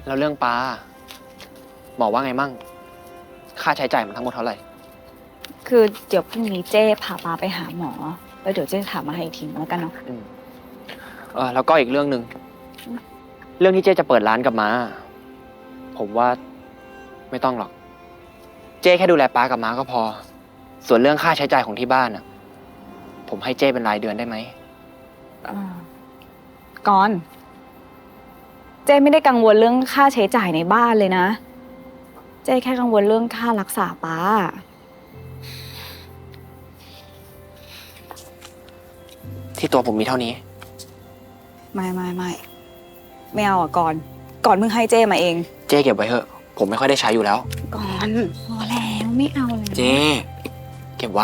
แล้วเรื่องป้าหมอว่าไงมั่งค่าใช้จ่ายมันทั้งหมดเท่าไหร่คือเดี๋ยวพรุ่งนี้เจ้พาปาไปหาหมอแล้วเดี๋ยวเจ้ถามมาให้อีกทีแล้วกันเนาะแล้วก็อีกเรื่องหนึ่งเรื่องที่เจ๊จะเปิดร้านกับม้าผมว่าไม่ต้องหรอก เจ๊แค่ดูแลป้ากับม้าก็พอ ส่วนเรื่องค่าใช้จ่ายของที่บ้านผมให้เจ๊เป็นรายเดือนได้ไหมก่อนเจ้ไม่ได้กังวลเรื่องค่าใช้จ่ายในบ้านเลยนะเจ้แค่กังวลเรื่องค่ารักษาป้าที่ตัวผมมีเท่านี้ไม่เอาอ่ะก่อนมึงให้เจ้มาเองเจ๊เก็บไว้เถอะ ผมไม่ค่อยได้ใช้อยู่แล้วก่อนพอแล้วไม่เอาเลยเจ๊เก็บไว้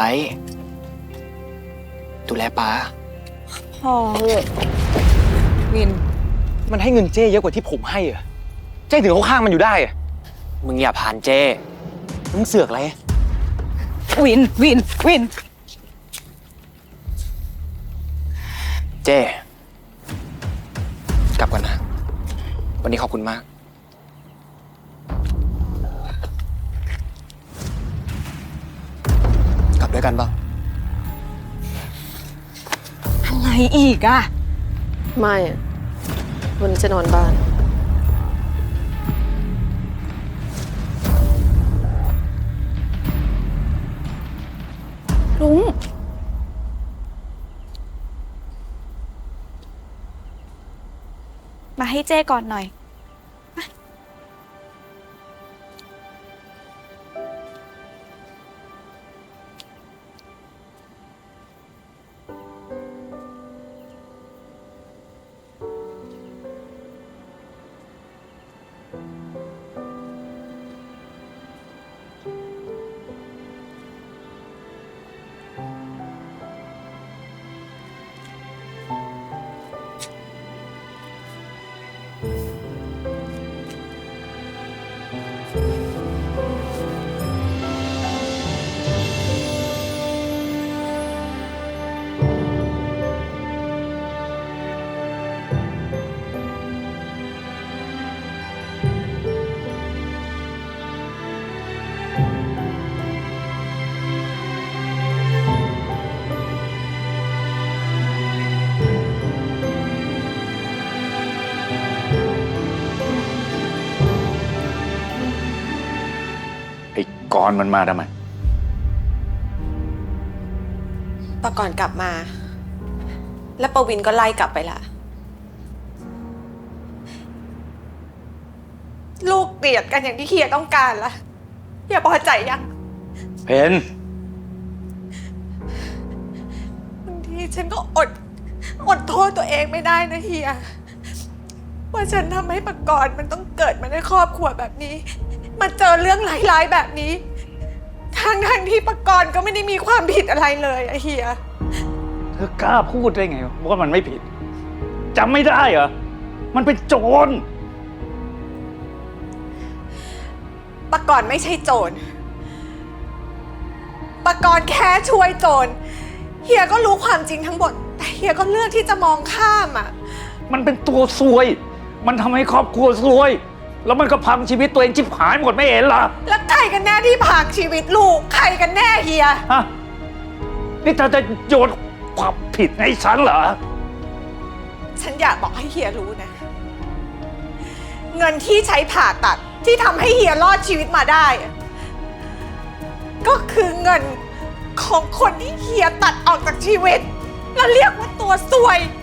ดูแลป้าพอเลยวินมันให้เงินเจ้เยอะกว่าที่ผมให้อะเจ้ถึงเขาข้างมันอยู่ได้อะมึงอย่าผ่านเจ๊มึงเสือกอะไรวินเจ๊กลับก่อนนะ วันนี้ขอบคุณมาก กลับด้วยกันเปล่าอะไรอีกอะไม่อะวันนี้จะนอนบ้านลุงมาให้เจ้ก่อนหน่อยไอ้กรณ์มันมาทำไมตอนก่อนกลับมา แล้วประวินก็ไล่กลับไปละลูกเกลียดกันอย่างที่เฮียต้องการละเฮียพอใจยังเพนบางทีฉันก็อดโทษตัวเองไม่ได้นะเฮียว่าฉันทำให้ปกรณ์มันต้องเกิดมาในครอบครัวแบบนี้มาเจอเรื่องร้ายๆแบบนี้ทั้งที่ปกรณ์ก็ไม่ได้มีความผิดอะไรเลยอะเฮียเธอกล้าพูดได้ไงว่ามันไม่ผิดจำไม่ได้เหรอ มันเป็นโจรปกรณ์ไม่ใช่โจรปกรณ์แค่ช่วยโจรเฮียก็รู้ความจริงทั้งหมดแต่เฮียก็เลือกที่จะมองข้ามอ่ะมันเป็นตัวซวย มันทำให้ครอบครัวซวย แล้วมันก็พังชีวิตตัวเองชิบหายหมดไม่เห็นเหรอแล้วใครกันแน่ที่ผากชีวิตลูกใครกันแน่เฮียฮะ นี่เธอจะโยนความผิดให้ฉันเหรอฉันอยากบอกให้เฮียรู้นะ เงินที่ใช้ผ่าตัดที่ทำให้เฮียรอดชีวิตมาได้อะก็คือเงินของคนที่เฮียตัดออกจากชีวิต แล้วเรียกว่าตัวซวย